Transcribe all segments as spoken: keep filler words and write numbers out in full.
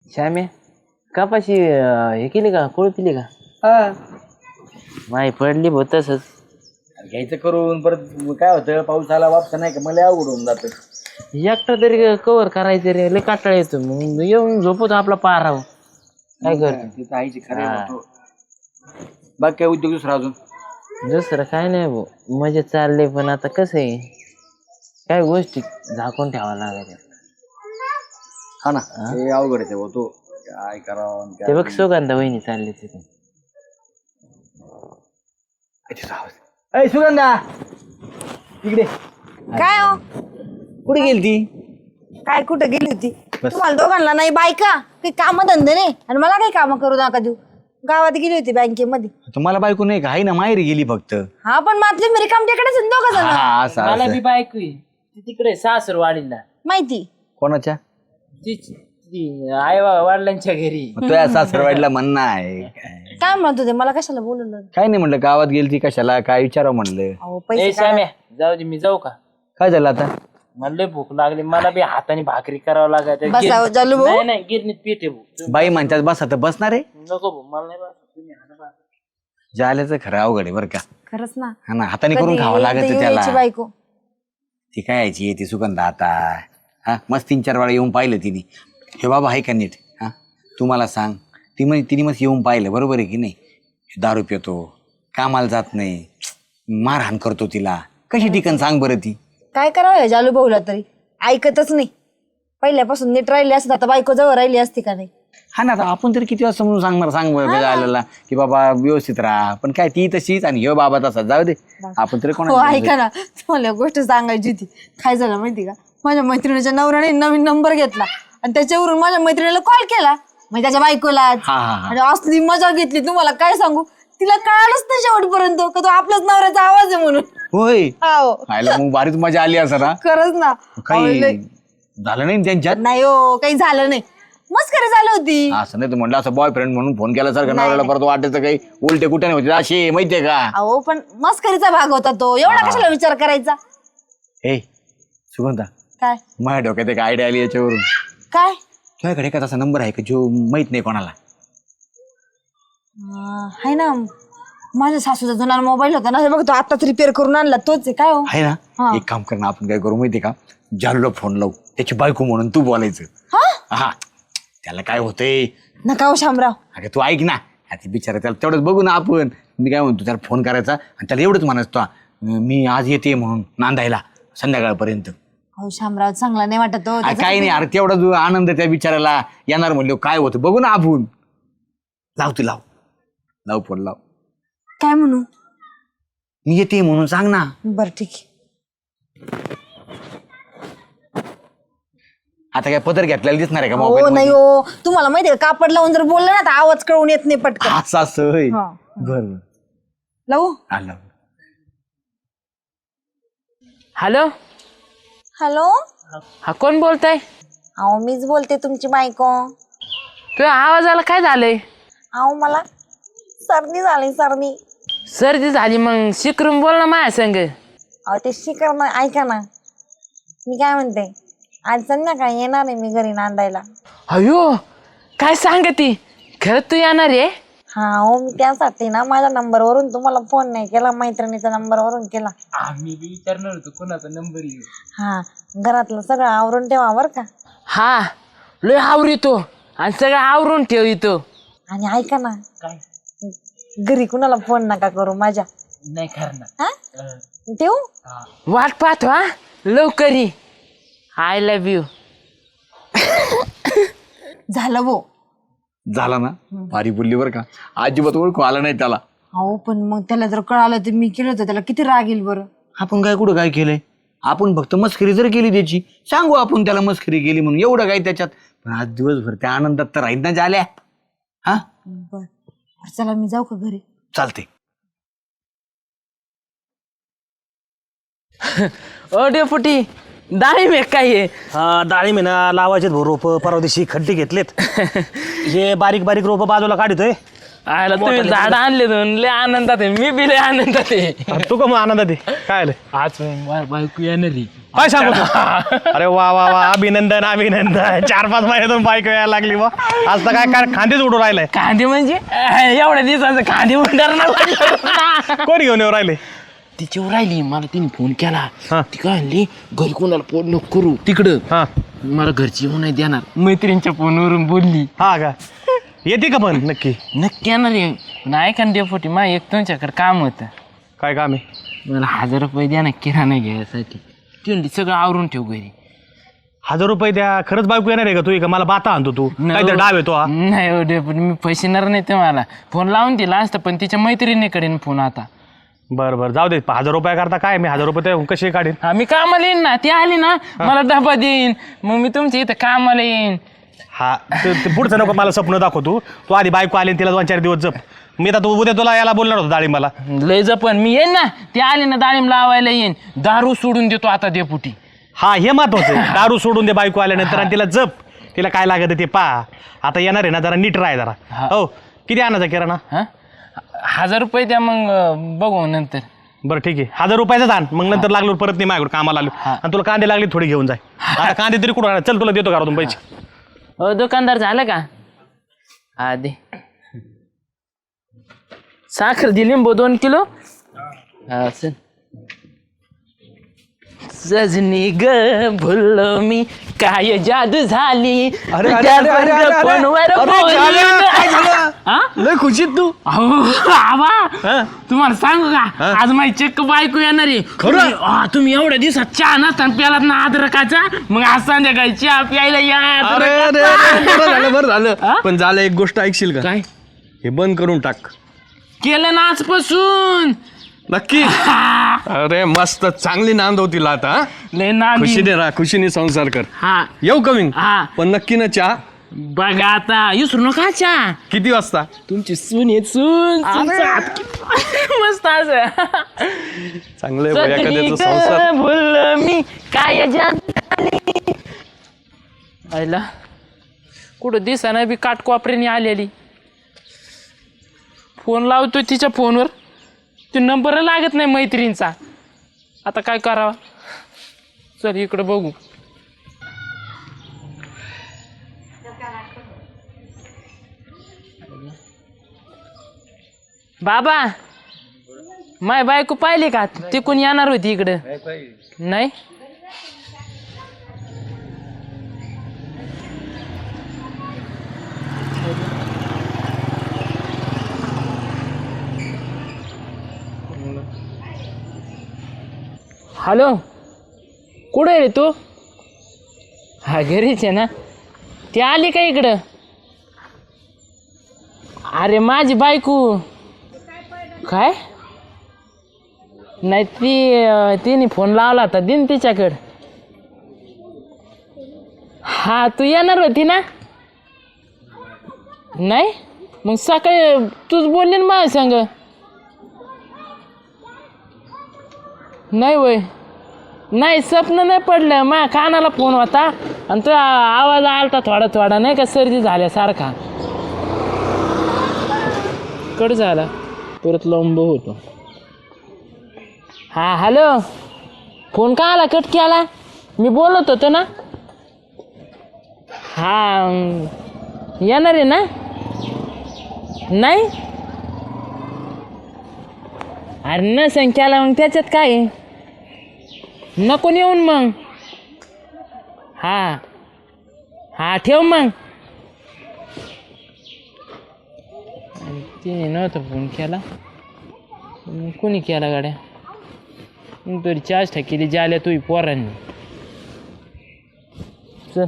श्यामे कापाशी हे केली का कोळपिली का? हा माही पडली भाऊ तसंच. घ्यायचं करून परत काय होतं पाऊस आला वापसा नाही का मला अवघड होऊन जातं. एकटा तरी कवर करायचं रे लय काटाळ येतो मग येऊन झोपतो आपला पाराव. काय करतो तिथं आईची खरे होतो. बाकी काय उद्योग दुसरा अजून? दुसरं काय नाही भाऊ मजे चालले पण आता कसं आहे काय गोष्टी झाकून ठेवावं लागायच्या. हा ना ते अवघड आहे होतो काय करावं ते बघ सुगंधा वहिनी चालली तिथे. अय सुगंधा इकडे. काय हो कुठे गेली ती? काय कुठं गेली होती? तुम्हाला दोघांना नाही बायका काही काम धंदे नाही आणि मला काही काम करू नका देऊ. गावात गेली होती बँकेमध्ये. तुम्हाला बायको नाही का? आहे ना माहेरी गेली फक्त. हा पण मातली मी रिकाम तिकडेच दोघ जण. हा असं मला असं. बी बायको आहे ती तिकडे सासर वाडीला. माहिती कोणाच्या? ती ती आई वडिलांच्या घरी. मग तुझ्या सासरवाडीला म्हणणं आहे काय? काय म्हणत होते मला कशाला बोलवलं? काय नाही म्हणलं गावात गेली ती कशाला काय विचारावं म्हणलं. अहो ए पैसे श्याम्या जाऊ दे मी जाऊ का? काय झालं आता? मला लय भूक लागली मला बी हाताने भाकरी करावं लागायचं. बसावं जालू भाऊ. नाही नाही गिरणीत पीठ आहे भाऊ. बाई म्हणतात बस आता बसणार आहे. नको भाऊ मला नाही बस तुम्ही हाणा बा. जाल्याचं खरं अवघड आहे बरं का. खरंच ना. हा ना हाताने करून कधी खावं लागत येईल तर त्याला. यायची बायको. ती काय यायची येते सुगंधा आता. हा मस्त तीन चार वेळा येऊन पाहिलं तिने. हे बाबा आहे का नीट? हा तुम्हाला सांग ती म्हणजे तिने मस्त येऊन पाहिलं बरोबर आहे की नाही. दारू पितो कामाला जात नाही मारहाण करतो तिला कशी ठिकाण सांग बरं ती. काय करावं या जालू भाऊला तरी ऐकतच नाही. पहिल्यापासून नीट राहिली असत आता बायको जवळ राहिली असती का नाही? हा ना आता आपण तरी किती वाजता म्हणून सांगणार सांग बरं आलेला की बाबा व्यवस्थित राहा पण काय ती तशीच आणि हे बाबा तसा जाऊ दे आपण तरी हो कोणा. ऐका ना तुम्हाला एक गोष्ट सांगायची होती. काय झालं माहिती का माझ्या मैत्रिणीच्या नवऱ्याने नवीन नंबर घेतला आणि त्याच्यावरून माझ्या मैत्रिणीला कॉल केला म्हणजे त्याच्या बायकोला हा, हा, हा. आणि असली मजा घेतली तुम्हाला काय सांगू. तिला कळालंच नाही शेवटपर्यंत का तो आपल्याच नवऱ्याचा आवाज आहे म्हणून. होय हो खायला मग बारीच मजा आली असं ना. खरंच ना. काही लय- झालं नाही ना त्यांच्यात? नाही हो काही झालं नाही मस्करी झाली होती. असं नाही तर म्हणलं असं बॉयफ्रेंड म्हणून फोन केला सारखं नवऱ्याला परत वाटायचं काही उलटे कुठे नाही होते असे माहितीये का. अहो पण मस्करीचा भाग होता तो एवढा कशाला विचार करायचा. हे सुगंधा काय माझ्या डोक्यात एक आयडिया आली याच्यावरून. काय तुझ्याकडे का तसा नंबर आहे का जो माहित नाही कोणाला? अं, हाय ना माझ्या सासूचा जुना मोबाईल होता ना हे बघ तो आताच रिपेअर करून आणला तोच आहे. काय हो आहे ना एक काम कर ना आपण काय करू माहितीये का जालूला फोन लावू त्याची बायको म्हणून तू बोलायचं. हा हा त्याला काय होतंय. नका हो शामराव. अगं तू ऐक ना आता बिचारा त्याला तेवढंच बघू ना आपण. मी काय म्हणतो त्याला फोन करायचा आणि त्याला एवढंच म्हणायचं तो मी आज येते म्हणून नांदायला संध्याकाळपर्यंत. हो शामराव चांगला नाही वाटत हो. अरे काही नाही अरे तेवढा जो आनंद त्या बिचाराला येणार म्हणलो काय होतं बघू ना आपण. लाव तू लाव लाव फोन लाव. काय म्हणू मी येते म्हणून सांग ना. बर ठीक आहे. आता काय पदर घेतलेला दिसणार आहे का हो मोबाईल नाही हो तुम्हाला माहितीये का कापड लावून जर बोललं ना तर आवाज कळून येत नाही पटकन. असं असं होय. हा. बरं लावू आलं. हॅलो हॅलो हा कोण बोलताय? अहो मीच बोलते तुमची बायको. तुझ्या आवाजाला काय झालंय? अहो मला सर्दी झाली सर्दी. सर्दी झाली मग शिकरून बोल ना माझ्या संग. अहो ते शिकर ना ऐका ना मी काय म्हणते आज संध्याकाळी येणार आहे मी घरी नांदायला. अयो काय सांग ती खरंच तू येणार आहे? हा हो मी त्यासाठी ना माझ्या नंबरवरून तुम्हाला फोन नाही केला मैत्रिणीच्या नंबरवरून केला. आम्ही बी विचारणार होतो कोणाचा नंबर येऊ. हा घरातलं सगळं आवरून ठेवा बर का. हा लय आवरितो आणि सगळं आवरून ठेव इथं. आणि ऐका ना काय घरी कुणाला फोन नका करू माझ्या. नाही करणार. हा ठेवू. वाट पाहतो हा लवकर ये. I love you. झालं भो. झाला ना भारी बोलली बरं का अजिबात ओळखू आला नाही त्याला. अहो पण मग त्याला जर कळालं तर मी केलं होतं त्याला किती राग येईल बरं. आपण काय कुठं काय केलंय आपण फक्त मस्करी जर केली त्याची सांगू आपण त्याला मस्करी केली म्हणून एवढं काय त्याच्यात. पण आज दिवसभर त्या आनंदात तर राहील ना झाल्या. हा बर चला मी जाऊ का घरी? चालते. ओ डेपुटी डाळिंब आहे काय आहे? हा डाळिंब आहे ना लावायचे रोप परवा दिवशी खड्डे घेतलेत. हे बारीक बारीक रोप बाजूला काढतोय. आयला तुम्ही झाड आणले दोन लय आनंदात आहे मी बी लय आनंदात आहे. तू का मग आनंदात आहे? काय आलं? आज माझी बायको येणार आहे. काय सांगतो अरे वा वा वा अभिनंदन अभिनंदन चार पाच महिन्यातून बायको यायला लागली वा आज तर काय काय खांदेच उडून राहिलाय कांदे म्हणजे अं, एवढ्या दिवसाचं कांदे उंडार ना कोण घेऊन येऊ राहिले तिच्यावर राहिली मला तिने फोन केला हा. ती काय म्हणली घरी कोणाला फोन नको करू तिकडं हा मला घरची येऊ नाही देणार मैत्रिणीच्या फोनवरून बोलली हा का येते का पण नक्की नक्की येणार आहे पण ऐका ना डेपोटी मा एक तुमच्याकडे काम होतं काय काम आहे मला हजार रुपये द्या ना किराणा घ्यायसाठी ती म्हणली सगळं आवरून ठेव घरी हजार रुपये द्या खरंच बायको येणार आहे का तू का मला बाता आणतो तू काय तर डाव येतो हा नाही हो डेपोटी मी पैसेणार नाही तुम्हाला फोन लावून दिला असता पण तिच्या मैत्रिणीकडे फोन आता बरं बरं जाऊ दे हजार रुपया करता काय मी हजार रुपये ते कसे काढीन हा मी कामाला येईन ना ती आली ना मला डबा देईन मग मी तुमच्या इथं कामाला येईन हा ते ते पुढचं नको मला स्वप्न दाखव तू तू आधी बायको आली आणि तिला दोन चार दिवस जप मी आता तू उद्या तुला याला बोलणार होतो डाळिंबाला लय जपन मी येईन ना ती आली ना डाळिंब लावायला येईन दारू सोडून देतो आता डेपुटी हा हे महत्वाचं आहे. दारू सोडून दे बायको आल्यानंतर आणि तिला जप तिला काय लागत ते पा आता येणार आहे ना जरा नीट राह जरा हा. हो किती आणायचा किराणा हा हजार रुपये द्या मग अं, बघू नंतर बरं ठीक आहे हजार रुपयाचाच आण मग नंतर लागलो परत नाही माझ्याकडे कामाला आलो हा. आणि तुला कांदे लागले थोडी घेऊन जाय आता कांदे तरी कुठं आणणार? चल तुला देतो घरातून पैसे हो दुकानदार झालं का हा दे साखर दिली लिंबू दोन किलो हा चल सजनी ग भुललो मी काय जादू झाली अरे, अरे, तुझ्या अरे, अरे, अरे, अरे. फोनवर अरे, बोलली. झालं, काय झालं? हा? लय खुशीत तू अहो, आबा तुम्हाला सांगू का आज माझी चक्क बायको येणार आहे तुम्ही- हा, तुम्ही एवढ्या दिवसात चहा नसताना प्यालात ना अद्रकाचा मग आज संध्याकाळी चहा प्यायला या अरे अरे, अद्रकाचा. अरे, बरं झालं बरं हा? झालं पण झालं एक गोष्ट ऐकशील का काय हे बंद करून टाक केलं ना आजपासून नक्की अरे मस्त चांगली नांद होती आता हा? लय नांदी. खुशीने राहा खुशीने संसार कर हा येऊ कमी हा. पण नक्की ना चहा बघा आता विसरू नका चहा किती वाजता तुमची सून आहे सून सूनचा हात किती मस्त असं चांगलं आहे एखाद्याचा संसार सजनी ग भुललो मी काय जादू आयला कुठं दिसाना बी काटकोपऱ्याने आलेली फोन लावतोय तिच्या फोनवर ते नंबर लागत नाही मैत्रिणीचा आता काय करावा चल इकडं बघू बाबा माय बायको पाहिली का ती कोण येणार होती इकडं नाही हॅलो कुठे आहे रे तू हा घरीच आहे ना ती आली का इकडं अरे माझी बायको काय नाही ती अं, तिने फोन लावला होता दिन तिच्याकडं हा तू येणार होती ना नाही मग सकाळी तूच बोलली ना माझ्या संग नाही वय नाही स्वप्न नाही पडलं माझ्या कानाला फोन होता आणि तो आवाज आलता थोडा थोडा नाही का सर्दी झाल्यासारखा कट झाला परत लंब होतो हा हॅलो फोन का आला कट केला मी बोलत होतो ना हा अं, येणार आहे ना नाही अरे न संख्याला मग त्याच्यात काय आहे? नको येऊन मग हा हा ठेव मग आणि तिने नव्हतं फोन केला मग कोणी केला गाड्या मग तरी चार्ज केली जाल्या तुही पोरांनी चल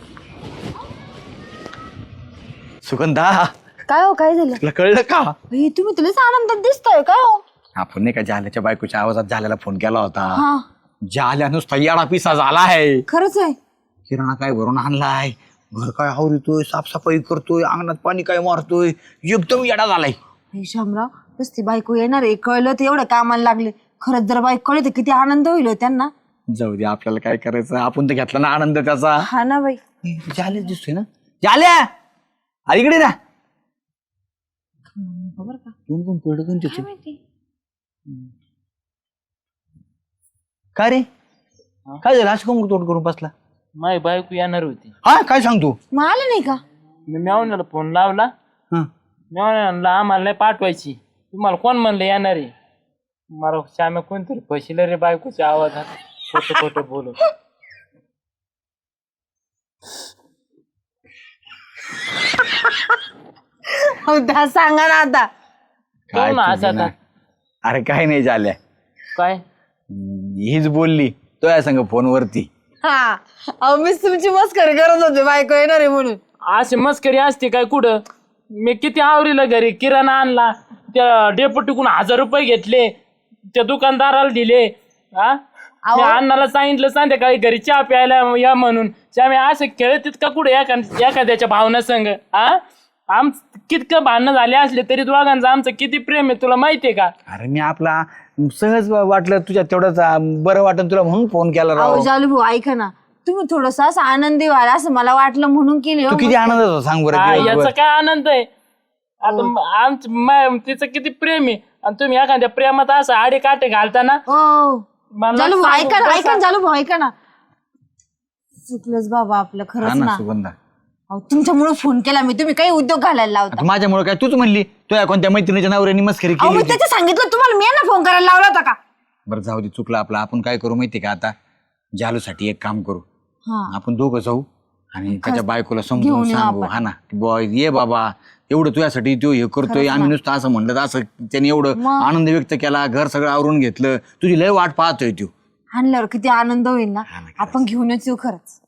सुगंधा काय हो काय झालं तुला कळलं का बाई, तुम्ही तुलाच आनंदात दिसतोय काय हो आपण नाही का जाल्याच्या बायकोच्या आवाजात जाल्याला फोन केला होता हा जाल्या नुसता येडा पिसा झाला आहे खरंच आहे किराणा काय भरून आणलाय घर काय आवरतोय साफसफाई करतोय अंगणात पाणी काय मारतोय एकदम येडा झालाय हे शामराव नुसती बायको येणार आहे कळलं तर एवढं कामाला लागले खरंच जर बायको कळली तर किती आनंद होईल हो त्यांना जाऊ दे आपल्याला काय करायचं आपण तर घेतला ना आनंद त्याचा हा ना बाई जाल्या दिसतोय ना जाल्या आ इकडे ना खबर का कोण कोण पडलं कोण तिथे माहिती का रे काय झालं असं कमून तोड करून बसला? माझी बायको येणार होती. हा काय सांगतो? मग आलं नाही का? मी मेवण्याला फोन लावला. हं. मेवण्याला आम्हाला नाही पाठवायची. तुम्हाला कोण म्हणलं येणार आहे? मला श्याम्या कोणतरी फसिलं रे बायकोच्या आवाजात. खोटं खोटं बोलू. हो त्या सांगा ना आता. काय ना तुझी असं ना? आता. अरे काय नाही झाल्या, काय हीच बोलली तो या संग फोनवरती. हा अहो मीच तुमची मस्करी करत होते बायको येणार आहे म्हणून. अशी मस्करी असते काय कुठं? मी किती आवरीला घरी किराणा आणला, त्या डेपुटीकडून हजार रुपये घेतले, त्या दुकानदाराला दिले. हा मी अण्णाला सांगितलं संध्याकाळी घरी चहा प्यायला या म्हणून. त्यामुळे असं खेळत का कुठे एका एखाद्याच्या भावना संग? हा आम कितकं भांडणं झाले असले तरी दोघांचं आमचं किती प्रेम आहे तुला माहितीये का? अरे मी आपला सहज वाटलं तुझ्या तेवढंच अं, बरं वाटलं तुला म्हणून फोन केला राव. अहो जालू भाऊ ऐका ना, तुम्ही थोडस असं आनंदी व्हाल असं मला वाटलं म्हणून केली हो. तू किती आनंद होता सांग बरं हा, दिवसभर? याचा काय आनंद आहे आता? आमचं मा- तिचं किती प्रेम आहे आणि तुम्ही एखाद्या प्रेमात असं आडे काटे घालताना हो मला जालू भाऊ सांगू ऐका ना, कसं- ऐका ना जालू भाऊ ऐका ना. चुकलंच बाबा आपलं हा खरंच ना ना. सुगंधा, अहो तुमच्यामुळे फोन केला मी, तुम्ही काही उद्योग घालायला लावता. आता माझ्यामुळे काय तूच म्हणली तुझ्या कोणत्या मैत्रिणीच्या नवऱ्याने मस्करी अहो केली मी होती. त्याचं सांगितलं तुम्हाला, मी ना फोन करायला लावला होता का? बरं जाऊ दे, चुकलं आपलं. आपण काय करू माहितीये का आता? जालूसाठी एक काम करू, हा आपण दोघं जाऊ आणि त्याच्या बायकोला समजून घेऊन येऊ सांगू. आपण. हा ना बॉय ये बाबा, एवढं तुझ्यासाठी तो हे करतोय, आम्ही नुसतं असं म्हणलं तर असं त्याने एवढं मग? आनंद व्यक्त केला, घर सगळं आवरून घेतलं, तुझी लय वाट पाहतोय तू. आणल्यावर किती आनंद होईल ना. आपण घेऊनच येऊ खरंच.